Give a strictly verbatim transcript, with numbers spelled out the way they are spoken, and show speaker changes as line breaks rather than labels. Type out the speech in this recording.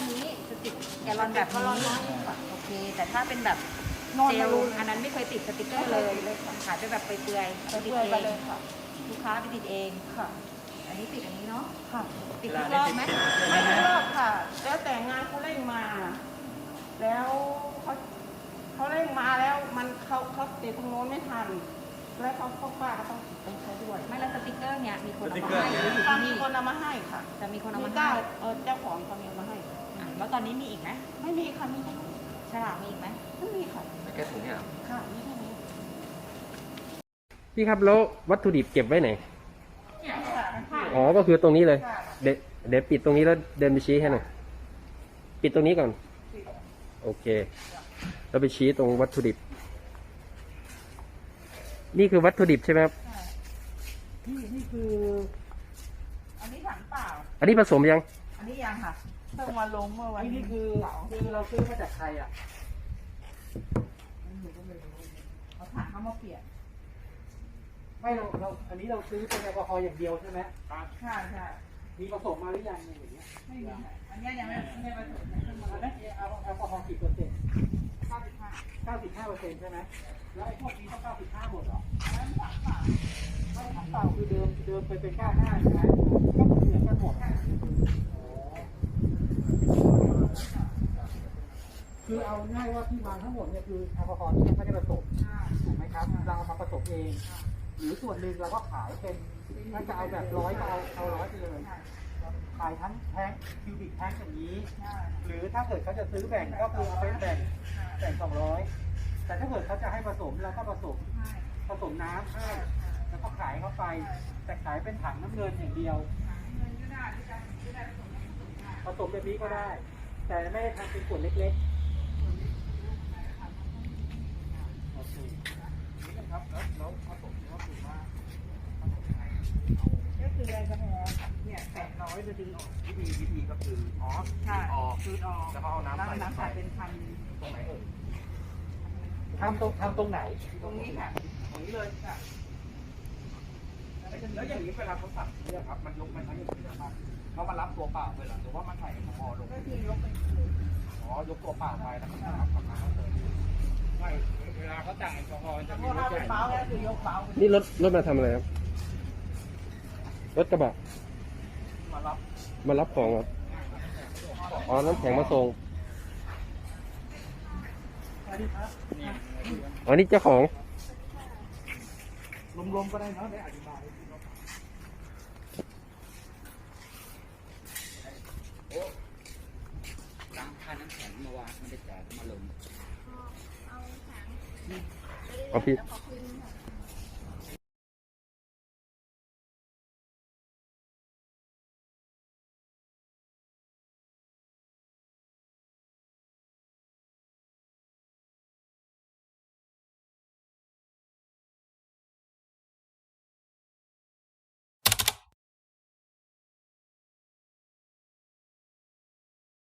นี้จะติดแกลลอนแบบนี้โอเคแต่ถ้าเป็นแบบเจลอันนั้นไม่เคยติดสติ๊กเกอร์เลยขายไปแบบเปลือยๆติดเองลูกค้าไปติดเองค่ะอันนี้ติดอันนี้เนาะค่ะติดทุกรอบไหม
ไม่ทุกรอบค่ะแล้วแต่งานเขาเร่งมา แล้วเขาเขาเร่งมาแล้วมันเขาเขาติดตรงโน้นไม่ทันแล้วเขาเขาป้าก็ต้องติดตรงเขาด้วย
ไม่แล้วสติ๊กเกอร์เนี่ยมีคนเอามาให้หรืออยู่ที่นี่
มีคนเอามาให้ค่ะ
จะมีคนเอามาให้
เจ้าเออเจ้าของเขามีมาให้
แล้วตอนนี้มีอีกไหม
ไม่มีค่ะมีแค่นี้
ฉลากมีอีกไหม
ไม่มีค่ะ
แค่ถุงเนี่ย
ค่ะมีแค่นี้
พี่ครับแล้ววัตถุดิบเก็บไว้ไหนอ๋อก็คือตรงนี้เลยเดี๋ยวเดี๋ยวปิดตรงนี้แล้วเดินไปชี้ให้หน่อยปิดตรงนี้ก่อนโอเคแล้วไปชี้ตรงวัตถุดิบนี่คือวัตถุดิบใช่ไหมครับ
นี่นี่คืออันนี้ถังเปล่า
อันนี้ผสมยัง
อันนี้ยังค่ะเพิ่งมาลงเมื่อวัน
นี่คือคือเราซื้อมาจากใครอ่ะ
เอาถังเขามาเปลี่ยน
ไม่เราเราอันนี้เราซื้อเป็นแอลกอฮอล์อย่างเดียวใช่ไหม
ครับใช่ใช่
มีผสมมาหรือยังอย่างเงี้ย
ไม่มีอันนี้ยังไม่ไม่ผสมนะ
อันนั้นแอลกอฮอล์กี่เปอร์เซ็นต์
เก้าสิบห้า
เก้าสิบห้าเปอร์เซ็นต์ใช่ไหมแล้วไอ้พวกนี้ก็เก้าสิบห้าหมดเหรอ
ถังเปล่า
ไม่ถังเปล่าคือเดิมเดิมไปเป็นเก้าห้าใช่ไหมก็เหมือนกันหมดคือเอาง่ายว่าที่มาทั้งหมดเนี่ยคือแอลกอฮอล์ที่ยังไม่ได้ผสมถูกไหมครับเราเอามาผสมเองหรือส่วนหนึ่งเราก็ขายเป็นถ้าจะเอาแบบร้อยก็เอาเอาร้อยไปเลยขายทั้งแท้งคิวบิกแท้งอย่างนี้หรือถ้าเกิดเขาจะซื้อแบ่งก็คือเอาไปแบ่งแบ่งสองร้อยแต่ถ้าเกิดเขาจะให้ผสมเราก็ผสมผสมน้ำให้แล้วก็ขายเข้าไปแต่ขายเป็นถังน้ำเงินอย่างเดียวผสมแบบนี้ก็ได้แต่ไม่ได้ทำเป็นขวดเล็กๆโอเคนี่นะครับแล้วผสมก็คือว่า
ก็คือแอลกอฮอล์เนี่ยแปดร้อยจะดึงออก
วิธีวิธีก็คืออ๋อ
ใช่
ออก
คือออก
แล้วก็เอาน้ำใส่
น้ำใส่เป็นพัน
ตรงไหนเอ่ย
ทำตรงทำตรงไหน
ตรงนี้ค่ะ
ตรงนี้เลยค่ะแล้วอย่างนี้เวลาเขาสั่งเนี่ยครับมันยกมันใช้อย่างนี้นะครับเขามารับตัวเปล่าเลยหรอหรือว่ามันใส่แอลกอฮอล์ลง
ก็คือยกไป
อ๋อยกตัวเปล่าไปแล้วก็ทำกับน้ำเติมไม่เวลาเขาจ่ายแอลกอฮอล์จะมีรถ
เบาแล้วคือยกเบา
นี่รถรถมาทำอะไรครับรถกระบะ
มารับ
มารับของครับอ๋อน้ำแข็งมาส่งอ๋อนี่เจ้าของ
รวมๆก็ได้เนาะได้อธิบายโอ้ล้างค่าน้ำแข็งมาวางมันได้จ่ายมาลง
เอาพี่